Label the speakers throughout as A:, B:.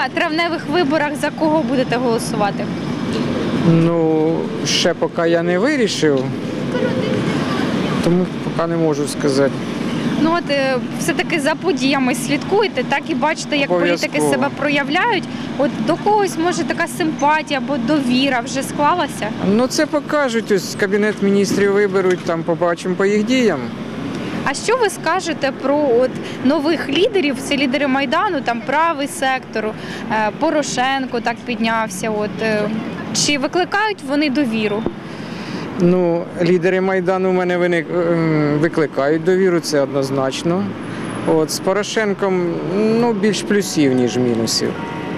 A: на травневих виборах за кого будете голосувати?
B: Ну, ще поки я не вирішив, тому поки не можу сказати.
A: Ну от все-таки за подіями слідкуєте, так і бачите, як політики
B: Обов'язково.
A: себе проявляють. От до когось може така симпатія або довіра вже склалася?
B: Ну, це покажуть, ось Кабінет міністрів виберуть, там побачимо по їх діям.
A: А що ви скажете про от нових лідерів? Це лідери Майдану, там правий сектор, Порошенко так піднявся. Чи викликають вони довіру?
B: Ну, лідери Майдану в мене викликають довіру, це однозначно. От, з Порошенком більш плюсів, ніж мінусів.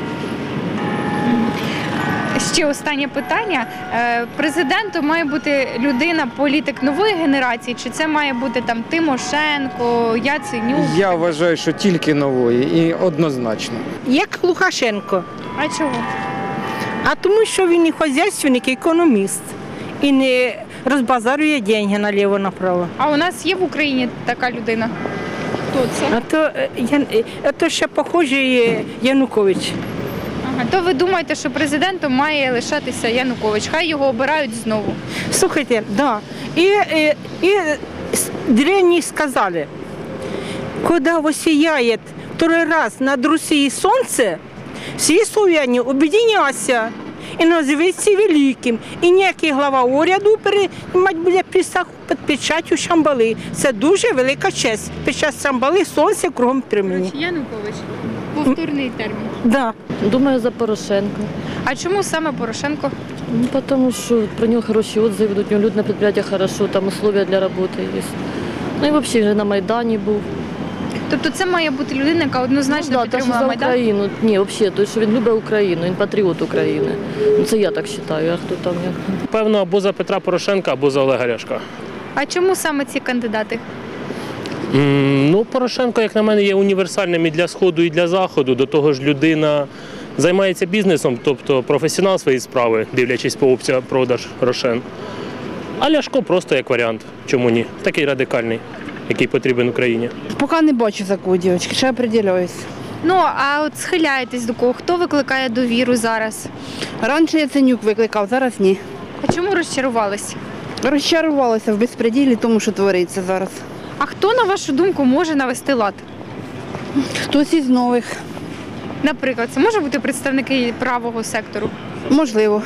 A: Ще останнє питання. Президентом має бути людина, політик нової генерації, чи це має бути там Тимошенко, Яценюк?
B: Я вважаю, що тільки нової і однозначно.
C: Як Лукашенко.
A: А чого?
C: А тому, що він і хазяйственник, і економіст. І не розбазарює гроші наліво-направо.
A: А у нас є в Україні така людина? Хто це?
C: А то ще похожий Янукович.
A: Ага. То ви думаєте, що президентом має лишатися Янукович? Хай його обирають знову.
C: Слухайте, да. И древние сказали, когда воссияет второй раз над Россией солнце, всі славяне об'єдняться і називаються великим. І ніякий глава уряду приймати буде присягу під печаттю Шамбали. Це дуже велика честь. Під час Шамбали сонце кругом промені.
A: Янукович. Повторний термін.
C: Да.
D: Думаю, за Порошенко.
A: А чому саме Порошенко?
D: Ну, потому что про него хорошие отзывы идут, у него люди на предприятиях хорошо, там условия для работы есть. Ну и вообще вже на Майдані був.
A: Тобто це має бути людина, яка однозначно
D: та, що
A: підтримувала
D: за
A: Майдан?
D: Україну. Ні, взагалі, то, що він любить Україну, він патріот України. Ну, це я так вважаю, а хто там як?
E: Певно, або за Петра Порошенка, або за Олега Ляшка.
A: А чому саме ці кандидати?
E: Ну, Порошенко, як на мене, є універсальним і для Сходу, і для Заходу. До того ж, людина займається бізнесом, тобто професіонал своєї справи, дивлячись по опції продаж Рошен. А Ляшко просто як варіант. Чому ні? Такий радикальний, який потрібен Україні.
F: Поки не бачу такого, дівчатки, ще определююсь.
A: Ну, а от схиляєтесь до кого? Хто викликає довіру зараз?
F: Раніше Яценюк викликав, зараз ні.
A: А чому розчарувались?
F: Розчарувалася в безпреділі тому, що твориться зараз.
A: А хто, на вашу думку, може навести лад?
F: Хтось із нових.
A: Наприклад, це може бути представники правого сектору?
F: Можливо.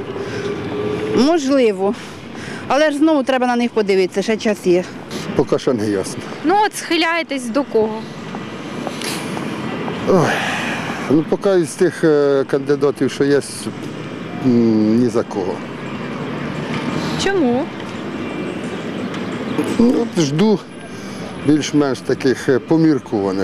F: Можливо. Але ж знову треба на них подивитися, ще час є.
G: Поки що не ясно.
A: Ну, от схиляєтесь до кого?
G: Ну, поки із тих кандидатів, що є, ні за кого.
A: Чому?
G: Ну, жду більш-менш таких поміркуваних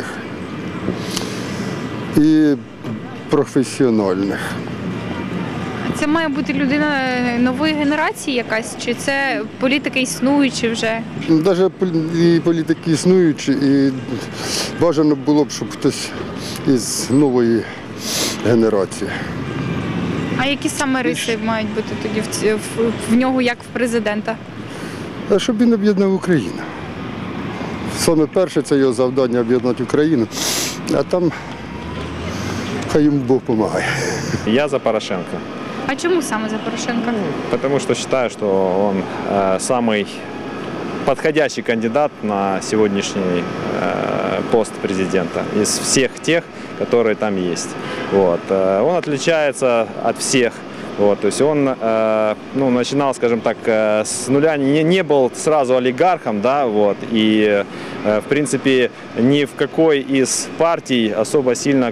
G: і професіональних.
A: Це має бути людина нової генерації якась? Чи це політики існуючі вже?
G: Навіть і політики існуючі, і бажано було б, щоб хтось із нової генерації.
A: А які саме риси мають бути тоді в нього, як в президента?
G: Щоб він об'єднав Україну. Саме перше це його завдання об'єднати Україну, а там хай йому Бог допомагає.
H: Я за Порошенко.
A: А чому саме за Порошенка?
H: Потому что считаю, что он самый подходящий кандидат на сегодняшний пост президента из всех тех, которые там есть. Вот. Он отличается от всех. Вот, то есть он начинал, скажем так, с нуля, не был сразу олигархом, да, вот, и в принципе ни в какой из партий особо сильно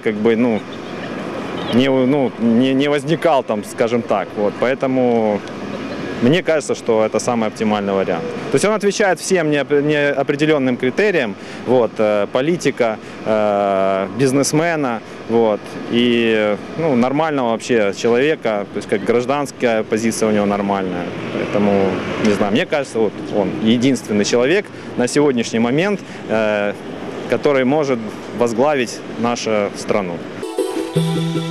H: не возникал там, скажем так. Вот, поэтому мне кажется, что это самый оптимальный вариант. То есть он отвечает всем неопределенным критериям, вот, политика, бизнесмена, вот, и нормального вообще человека, то есть как гражданская позиция у него нормальная. Поэтому, не знаю, мне кажется, вот он единственный человек на сегодняшний момент, который может возглавить нашу страну.